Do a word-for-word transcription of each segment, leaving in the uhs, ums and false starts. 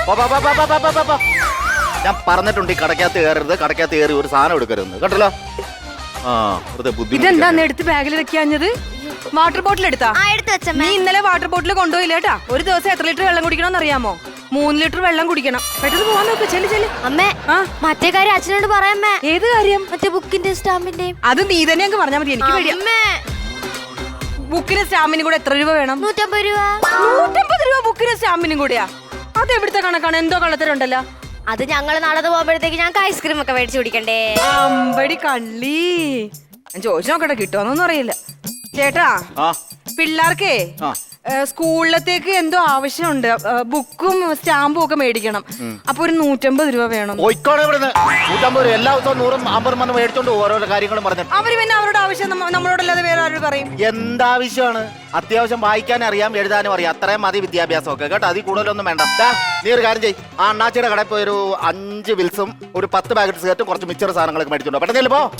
ഞാൻ പറഞ്ഞിട്ടുണ്ട് ഈ കടക്കകത്ത് കയറരുത്, കടക്കകത്ത് കയറി ഒരു സാധനം എടുക്കരുത് കേട്ടല്ലോ. ആ ഇതെന്താന്ന് എടുത്ത് ബാഗിൽ വെക്കാഞ്ഞത്? വാട്ടർ ബോട്ടിൽ എടുത്താ? നീ ഇന്നലെ വാട്ടർ ബോട്ടിൽ കൊണ്ടുപോയില്ല കേട്ടാ. ഒരു ദിവസം എത്ര ലിറ്റർ വെള്ളം കുടിക്കണം അറിയാമോ? മൂന്ന് ലിറ്റർ വെള്ളം കുടിക്കണം. പെട്ടെന്ന് പോവാൻ നോക്ക്. ചെല്ലു ചെല്ലു. അമ്മേ, മറ്റേ കാര്യം അച്ഛനോട് പറയാമേ. ഏത് കാര്യം? മറ്റേ ബുക്കിന്റെ സ്റ്റാമ്പിന്റെ. അത് നീ തന്നെ അങ്ങ് പറഞ്ഞാൽ മതി. എനിക്ക് പേടിയാ. ബുക്കിന് സ്റ്റാമ്പിനും കൂടെ എത്ര രൂപ വേണം? നൂറ്റമ്പത് രൂപ. നൂറ്റമ്പത് രൂപ ബുക്കിന് സ്റ്റാമ്പിനും കൂടെയാ? അത് എവിടുത്തെ കണക്കാണ്? എന്തോ കള്ളത്തരുണ്ടല്ലോ. അത് ഞങ്ങള് നാളെ പോകുമ്പോഴത്തേക്ക് ഞങ്ങൾക്ക് ഐസ്ക്രീം ഒക്കെ മേടിച്ചു കുടിക്കണ്ടേ? അമ്പടി കള്ളി. ഞാൻ ചോദിച്ചു നോക്കട്ടെ, കിട്ടുമോന്നൊന്നും അറിയില്ല. ചേട്ടാ, പിള്ളേർക്കേ സ്കൂളിലത്തേക്ക് എന്തോ ആവശ്യമുണ്ട്. ബുക്കും സ്റ്റാമ്പും ഒക്കെ മേടിക്കണം. അപ്പൊ ഒരു നൂറ്റമ്പത് രൂപ വേണം. എല്ലാ ദിവസവും നൂറും അമ്പതും വന്ന് മേടിച്ചോണ്ട് ഓരോരോ കാര്യങ്ങളും പറഞ്ഞു. അവര് പിന്നെ അവരുടെ ആവശ്യം നമ്മളോടല്ലാതെ വേറെ ആരോട് പറയും? എന്താവശ്യമാണ്? അത്യാവശ്യം വായിക്കാനും അറിയാം, എഴുതാനും അറിയാം. അത്രയും മതി വിദ്യാഭ്യാസം ഒക്കെ കേട്ടോ. അതിൽ കൂടുതലൊന്നും വേണ്ട. നീ ഒരു കാര്യം ചെയ്യ്, ആ അണ്ണാച്ചിയുടെ കടയിൽ പോയി ഒരു അഞ്ച് വിൽസും ഒരു പത്ത് പാക്കറ്റ് സിഗരറ്റും കുറച്ച് മിച്ചർ സാധനങ്ങളൊക്കെ മേടിച്ചോണ്ടോ. പെട്ടെന്ന് പോ.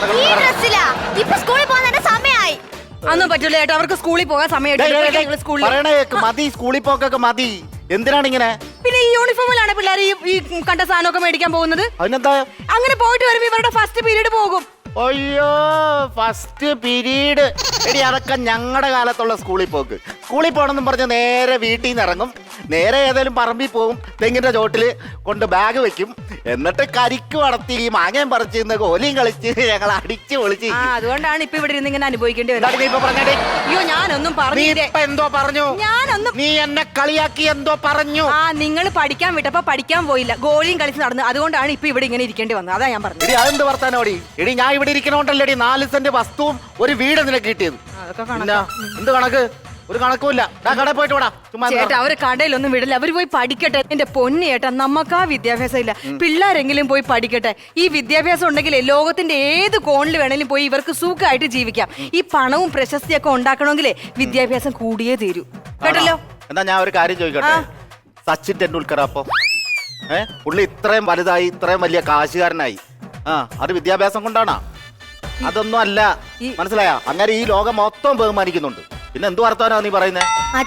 അതൊന്നും പറ്റില്ല ചേട്ടാ, അവർക്ക് സ്കൂളിൽ പോകാൻ സമയം. മതി, സ്കൂളിൽ പോക്കൊക്കെ മതി. എന്തിനാണ് ഇങ്ങനെ? പിന്നെ ഈ യൂണിഫോമിലാണ് പിള്ളേർ ഈ കണ്ട സാധനമൊക്കെ മേടിക്കാൻ പോകുന്നത്. അതിനെന്താ? അങ്ങനെ പോയിട്ട് വരുമ്പോ ഇവരുടെ ഫസ്റ്റ് പീരീഡ് പോകും. അയ്യോ, ഫസ്റ്റ് പീരീഡ് എടി, അതൊക്കെ ഞങ്ങളുടെ കാലത്തുള്ള സ്കൂളിൽ പോക്ക്. സ്കൂളിൽ പോകണമെന്നും പറഞ്ഞ് നേരെ വീട്ടിൽ നിന്ന് ഇറങ്ങും, നേരെ ഏതായാലും പറമ്പിൽ പോകും, തെങ്ങിന്റെ ചോട്ടിൽ കൊണ്ട് ബാഗ് വെക്കും, എന്നിട്ട് കരിക്ക് വളർത്തി ഈ മാങ്ങയും പറിച്ച് കോലിയും കളിച്ച് ഞങ്ങൾ അടിച്ച് പൊളിച്ച്. അതുകൊണ്ടാണ് ഇപ്പൊ ഇവിടെ ഇരുന്ന് ഇങ്ങനെ അനുഭവിക്കേണ്ടി വരുന്നത്. അയ്യോ, ഞാനൊന്നും പറഞ്ഞു. എന്തോ പറഞ്ഞു? ഞാനൊന്നും. നീ എന്നെ കളിയാക്കി എന്തോ പറഞ്ഞു. ആ, നിങ്ങൾ പഠിക്കാൻ വിട്ടപ്പോ പഠിക്കാൻ പോയില്ല, ഗോളിയും കളിച്ച് നടന്നു. അതുകൊണ്ടാണ് ഇപ്പൊ ഇവിടെ ഇങ്ങനെ ഇരിക്കേണ്ടി വന്നത്. അതാ ഞാൻ പറഞ്ഞത്. അതെന്ത് വർത്താനോടി എടി, ഞാൻ ഇവിടെ ഇരിക്കണോണ്ടല്ലേടി നാല് സെന്റ് വസ്തുവും ഒരു വീട് നിനക്ക് കിട്ടിയത്. എന്ത് കണക്ക്? ഒരു കണക്കുമില്ല. കടയിൽ പോയിട്ട് വിടാ. ചേട്ടാ, അവര് കടയിലൊന്നും വിടില്ല. അവര് പോയി പഠിക്കട്ടെ. എന്റെ പൊന്നു ചേട്ടാ, നമുക്ക് ആ വിദ്യാഭ്യാസം ഇല്ല. പിള്ളേരെങ്കിലും പോയി പഠിക്കട്ടെ. ഈ വിദ്യാഭ്യാസം ഉണ്ടെങ്കിൽ ലോകത്തിന്റെ ഏത് കോണിൽ വേണേലും പോയി ഇവർക്ക് സുഖമായിട്ട് ജീവിക്കാം. ഈ പണവും പ്രശസ്തിയൊക്കെ ഉണ്ടാക്കണമെങ്കിലേ വിദ്യാഭ്യാസം കൂടിയേ തീരൂ. കേട്ടല്ലോ? എന്നാ ഞാൻ ഒരു കാര്യം ചോദിക്കട്ടെ. സച്ചിൻ ടെണ്ടുൽക്കർ അപ്പൊ ഏഹ് പുള്ളി ഇത്രയും വലുതായി, ഇത്രയും വലിയ കാശുകാരനായി, ആ അത് വിദ്യാഭ്യാസം കൊണ്ടാണോ? അതൊന്നും അല്ല. മനസ്സിലായ? അങ്ങനെ ഈ ലോകം മൊത്തം ബഹുമാനിക്കുന്നുണ്ട്. പിന്നെ എന്ത് വർത്താനാ നീ പറയുന്നേ?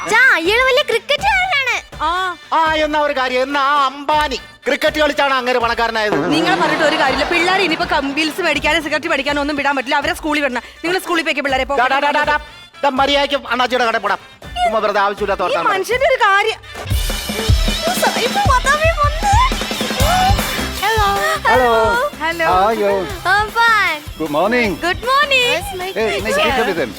ആ എന്നാ ഒരു കാര്യം, എന്നാ ആ അംബാനി ക്രിക്കറ്റ് കളിച്ചാണ് അങ്ങനെ പണക്കാരനായത്. നിങ്ങൾ പറഞ്ഞിട്ട് ഒരു കാര്യമില്ല. പിള്ളേർ ഇനിയിപ്പോ ബിൽസ് മേടിക്കാനും സിഗരറ്റ് മേടിക്കാനും ഒന്നും വിടാൻ പറ്റില്ല. അവരെ സ്കൂളിൽ വിടണം. നിങ്ങൾ സ്കൂളിൽ പോയി പിള്ളേരെ മര്യാദയ്ക്കും അണ്ണാച്ചിയുടെ കടയിൽ പോടാം. വെറുതെ ആവശ്യമില്ലാത്ത മനുഷ്യന്റെ ഒരു കാര്യം. Hello. Hello. How are you? I'm fine. Good morning. Good morning. Hey, nice to meet you.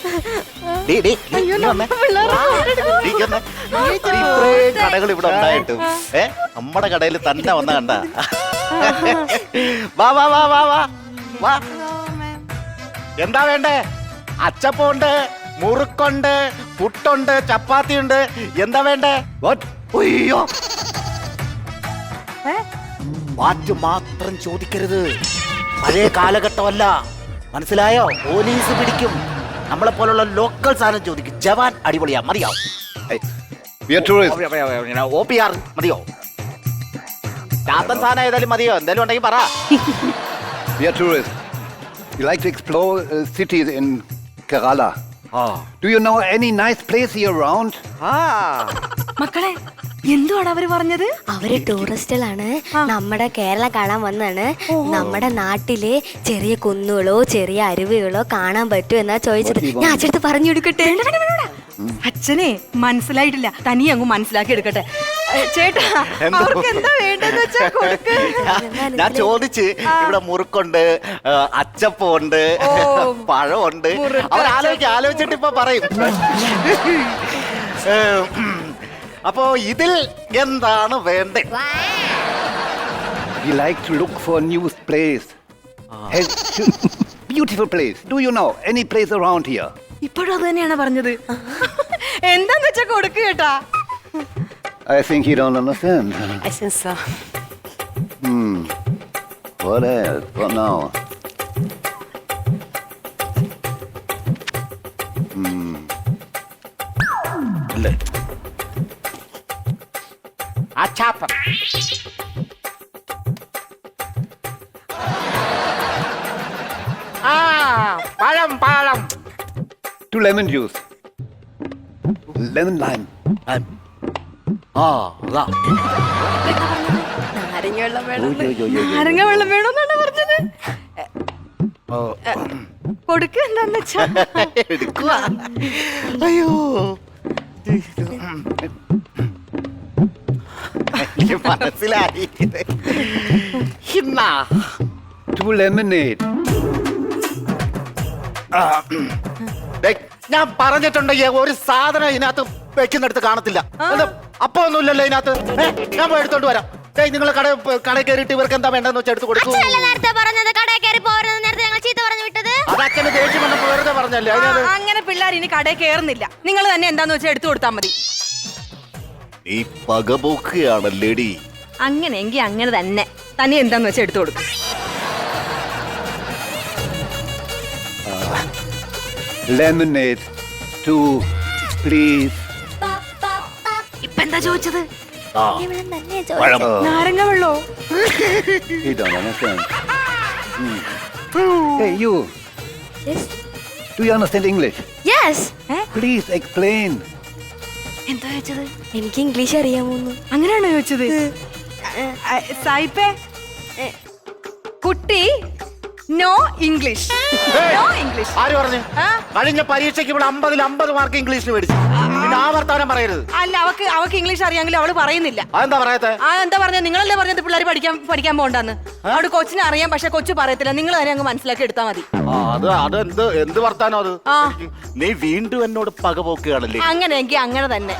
ഇത്രയും കടകൾ ഇവിടെ ഉണ്ടായിട്ടും ഏ നമ്മുടെ കടയിൽ തന്നെ വന്ന കണ്ട. വാ വാ വാ വാ വാ വാ. എന്താ വേണ്ടേ? അച്ചപ്പമുണ്ട്, മുറുക്കുണ്ട്, പുട്ടുണ്ട്, ചപ്പാത്തി ഉണ്ട്. എന്താ വേണ്ടേ? അയ്യോ, വാറ്റ് മാത്രം ചോദിക്കരുത്. പഴയ കാലഘട്ടമല്ല, മനസ്സിലായോ? പോലീസ് പിടിക്കും. നമ്മളെ പോലുള്ള ലോക്കൽ സാധനം ചോദിക്കും. ജവാൻ അടിപൊളിയാ, മതിയോ? ഒ പി ആർ മതിയോ? ചാത്തൻ സാധനം ഏതായാലും മതിയോ? എന്തായാലും ഉണ്ടെങ്കിൽ പറ. We are tourists. We like to explore uh, cities in Kerala. Ah. Do you know any nice place here around? Ah. മക്കളെ, എന്തുവാണ് അവര് പറഞ്ഞത്? അവര് ടൂറിസ്റ്റുകളാണ്, നമ്മുടെ കേരളം കാണാൻ വന്നാണ്. നമ്മുടെ നാട്ടിലെ ചെറിയ കുന്നുകളോ ചെറിയ അരുവികളോ കാണാൻ പറ്റൂ എന്നാ ചോദിച്ചത്. ഞാൻ അച്ഛനടുത്ത് പറഞ്ഞു കൊടുക്കട്ടെ? അച്ഛനെ മനസ്സിലായിട്ടില്ല, തനി അങ്ങ് മനസ്സിലാക്കി എടുക്കട്ടെ. ചേട്ടാ, അവർക്ക് എന്താ വേണ്ടെന്ന് വെച്ചാ കൊടുക്ക്. ഞാൻ ചോദിച്ച് ഇവിടെ മുറുക്കുണ്ട്, അച്ചപ്പമുണ്ട്, പഴമുണ്ട്. അവർ ആലോചിച്ച് ആലോചിച്ചിട്ട് ഇപ്പൊ പറയും. അപ്പോ ഇതിൽ എന്താണ് വേണ്ടേ? We like to look for a new place. Hey, beautiful place. Do you know any place around here? ഇപ്പോഴും അത് തന്നെയാണ് പറഞ്ഞത്. എന്താന്ന് വെച്ചാ കൊടുക്ക് കേട്ടാ. I think you don't understand. I think so. Hmm. What else? What now? Hmm. അല്ലേ? അച്ചാപ്പം. ആ പഴം പഴം. Two lemon juice. Lemon lime. ആ അതാ നാരങ്ങ വെള്ളം വേണം ഓ, ഓ, ഓ, ഓ, ഓ. നാരങ്ങ വെള്ളം വേണമെന്നാണ് പറഞ്ഞത്. ഓ. കൊടുക്ക എന്താന്ന് വെച്ചാ. എടുക്കുവാ. അയ്യോ എനിക്ക് മനസ്സിലായി. ഇന്നാ. Two lemonade. ദേ, ഞാൻ പറഞ്ഞിട്ടുണ്ടെങ്കിൽ ഒരു സാധനം ഇതിനകത്ത് വെക്കുന്നിടത്ത് കാണത്തില്ല. എന്താ, അപ്പൊ ഒന്നുമില്ലല്ലോ ഇതിനകത്ത്. ഏ, ഞാൻ പോയി എടുത്തോണ്ട് വരാം. നിങ്ങൾ കട കടയിൽ കയറിയിട്ട് ഇവർക്ക് എന്താ വേണ്ടെന്ന് വെച്ചാൽ എടുത്ത് കൊടുക്കും. അച്ഛനല്ലേ നേരത്തെ പറഞ്ഞത് കടയിൽ കയറി പോരുന്നത്, നേരത്തെ ഞങ്ങൾ ചീത്ത പറഞ്ഞു വിട്ടത്. അത് അച്ഛന് ദേഷ്യം വന്നപ്പോ വെറുതെ പറഞ്ഞല്ലേ. ആ, അതിനകത്ത് അങ്ങനെ പിള്ളേർ ഇനി കടയിൽ കയറുന്നില്ല. നിങ്ങൾ തന്നെ എന്താന്ന് വെച്ചാൽ എടുത്തു കൊടുത്താൽ മതി. നീ പകപോക്കുകയാണല്ലേടി. അങ്ങനെയെങ്കിൽ അങ്ങനെ തന്നെ തന്നെ എന്താന്ന് വെച്ചാൽ എടുത്തു കൊടുക്കും. Lemonade. Two, please. ഇപ്പൊ എന്താ ചോദിച്ചത്? ആ, ഇവിടെ തന്നെ പഴം. നാരങ്ങ വെള്ളോ? You don't understand. Hmm. Hey, you. Do you understand English? Yes, Please explain. എന്താ ചോദിച്ചത്? എനിക്ക് ഇംഗ്ലീഷ് അറിയാമോന്ന്. അങ്ങനെയാണോ ചോദിച്ചത്? ആ, സായിപ്പേ, കുട്ടി നോ ഇംഗ്ലീഷ്. No English. ആര് പറഞ്ഞു? ആ? കഴിഞ്ഞ പരീക്ഷയ്ക്ക് ഇവിടെ അമ്പതിൽ അമ്പത് മാർക്ക് ഇംഗ്ലീഷിന് മേടിച്ചു. പിന്നെ ആ വർത്താനം പറയരുത്. അല്ല, അവക്ക് അവക്ക് ഇംഗ്ലീഷ് അറിയാമെങ്കിലും അവള് പറയുന്നില്ല. അതെന്താ പറയാത്തെ? ആ, എന്താ പറഞ്ഞത്? നിങ്ങളല്ലേ പറഞ്ഞത് പിള്ളേർ പഠിക്കാൻ പഠിക്കാൻ പോകണ്ടെന്ന്. അവിടെ കൊച്ചിനെ അറിയാം, പക്ഷെ കൊച്ചു പറയത്തില്ല. നിങ്ങൾ തന്നെ അങ്ങ് മനസ്സിലാക്കി എടുത്താൽ മതി. ആ, അത് അത് എന്ത് എന്ത് വർത്താനോ അത്? ആ. നീ വീണ്ടും എന്നോട് പകപോക്കുകയാണല്ലേ. അങ്ങനെയെങ്കിൽ അങ്ങനെ തന്നെ.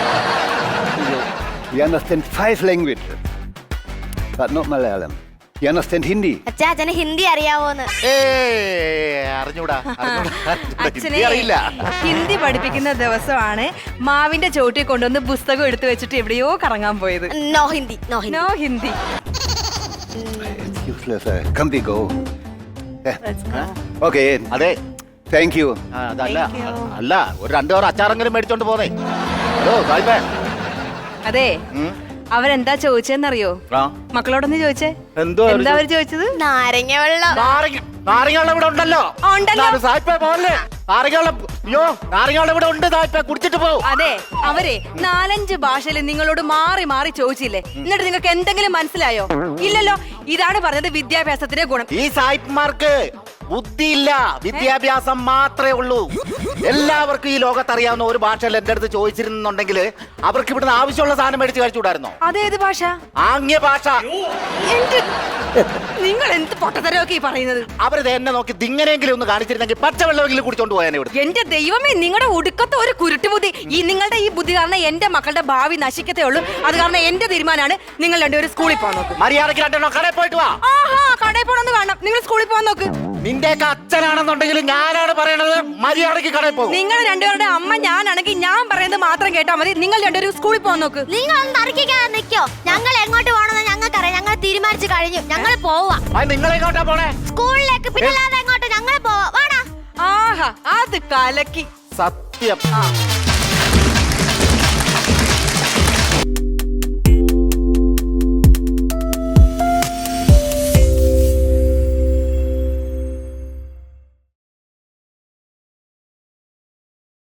You understand five languages, but not Malayalam. You understand Hindi? അച്ഛാ, അച്ഛന് ഹിന്ദി അറിയാവോന്ന്. ഏ അറിഞ്ഞൂടാ, അറിഞ്ഞൂടാ, അറിഞ്ഞൂടാ. അച്ഛനെ ഹിന്ദി അറിയില്ല. ഹിന്ദി പഠിപ്പിക്കുന്ന ദിവസമാണ് മാവിന്റെ ചോട്ടിൽ കൊണ്ടുവന്ന് പുസ്തകം എടുത്തു വെച്ചിട്ട് എവിടെയോ കറങ്ങാൻ പോയത്. No Hindi, no Hindi. No Hindi. It's useless. Uh, come we go. Eh, Let's go. Okay. അതെ. Thank you. ആ, അതല്ല Thank you. അല്ല ഒരു രണ്ടു പേർ അച്ചാറെങ്കിലും മേടിച്ചോണ്ട് പോന്നേ. ഹലോ സായിപ്പേ. അതെ, ഉം. അവരെന്താ ചോദിച്ചെന്നറിയോ? ആ, മക്കളോടൊന്ന് ചോദിച്ചേ. എന്തോ അവര് എന്താ അവര് ചോദിച്ചത്? നാരങ്ങ വെള്ളം. നാരങ്ങ നാരങ്ങ ഇവിടെ ഉണ്ടല്ലോ. ആ, ഉണ്ടല്ലോ. നാല് സായിപ്പേ പോലെ നാരങ്ങ അയ്യോ നാരങ്ങ ഇവിടെ ഉണ്ട്. സായിപ്പേ കുടിച്ചിട്ട് പോകും. അതെ, അവരെ നാലഞ്ച് ഭാഷയിൽ നിങ്ങളോട് മാറി മാറി ചോദിച്ചില്ലേ? എന്നിട്ട് നിങ്ങൾക്ക് എന്തെങ്കിലും മനസ്സിലായോ? ഇല്ലല്ലോ. ഇതാണ് പറഞ്ഞത് വിദ്യാഭ്യാസത്തിന്റെ ഗുണം. ഈ സായിപ്പ്മാർക്ക് ബുദ്ധിയില്ല, വിദ്യാഭ്യാസം മാത്രമേ ഉള്ളൂ. എല്ലാവർക്കും ഈ ലോകത്ത് അറിയാവുന്ന ഒരു ഭാഷയിൽ എന്റെ അടുത്ത് ചോദിച്ചിരുന്നുണ്ടെങ്കിൽ അവർക്ക് ഇവിടുന്ന് ആവശ്യമുള്ള സാധനം മേടിച്ച് കഴിച്ചുകൂടായിരുന്നോ? അതേത് ഭാഷ? ആംഗ്യ ഭാഷ. എന്ത് നിങ്ങൾ എന്ത് പൊട്ടത്തരമൊക്കെ ഈ പറയുന്നത്? അവരിത് എന്നെ നോക്കി ദിങ്ങനെങ്കിലും ഒന്ന് കാണിച്ചിരുന്നെങ്കിൽ പച്ചവെള്ളമെങ്കിലും കുടിച്ചോണ്ട് പോയാനെ ഇവിടെ. എന്റെ ദൈവമേ, നിങ്ങളുടെ ഒടുക്കത്തെ ഒരു കുരുട്ടുബുദ്ധി. ഈ നിങ്ങളുടെ ഈ ബുദ്ധി കാരണം എന്റെ മക്കളുടെ ഭാവി നശിക്കത്തേ ഉള്ളൂ. അത് കാരണം എന്റെ തീരുമാനമാണ് നിങ്ങൾ രണ്ടുപേരും സ്കൂളിൽ പോകാൻ നോക്ക്. മര്യാദയ്ക്ക് രണ്ടെണ്ണോ കടയിൽ പോയിട്ട് വാ. ആഹാ, കടയിൽ പോണെന്ന് കാണണം. നിങ്ങൾ സ്കൂളിൽ പോകാൻ നോക്ക്. നിന്റെയൊക്കെ അച്ഛനാണെന്നുണ്ടെങ്കിൽ ഞാനാണ് പറയണത്, മര്യാദയ്ക്ക് കടയിൽ പോകും. നിങ്ങൾ രണ്ടുപേരുടെ അമ്മ ഞാനാണെങ്കിൽ ഞാൻ പറയുന്നത് മാത്രം കേട്ടാൽ മതി. നിങ്ങൾ രണ്ടുപേരും സ്കൂളിൽ പോകാൻ നോക്ക്. നിങ്ങൾ ഒന്ന് തർക്കിക്കാൻ നിൽക്കോ? ഞങ്ങൾ എങ്ങോട്ട് പോകണമെന്ന് ഞങ്ങൾക്കറിയാം. ഞങ്ങൾ തീരുമാനിച്ചു കഴിഞ്ഞു. ഞങ്ങൾ പോവാ നിങ്ങളെങ്ങോട്ടാ പോണേ? സ്കൂളിലേക്ക്. പിന്നെ അല്ലാതെ എങ്ങോട്ട്? ഞങ്ങൾ പോവാ. വാടാ. ആഹാ, അത് കലക്കി. സത്യം. ആ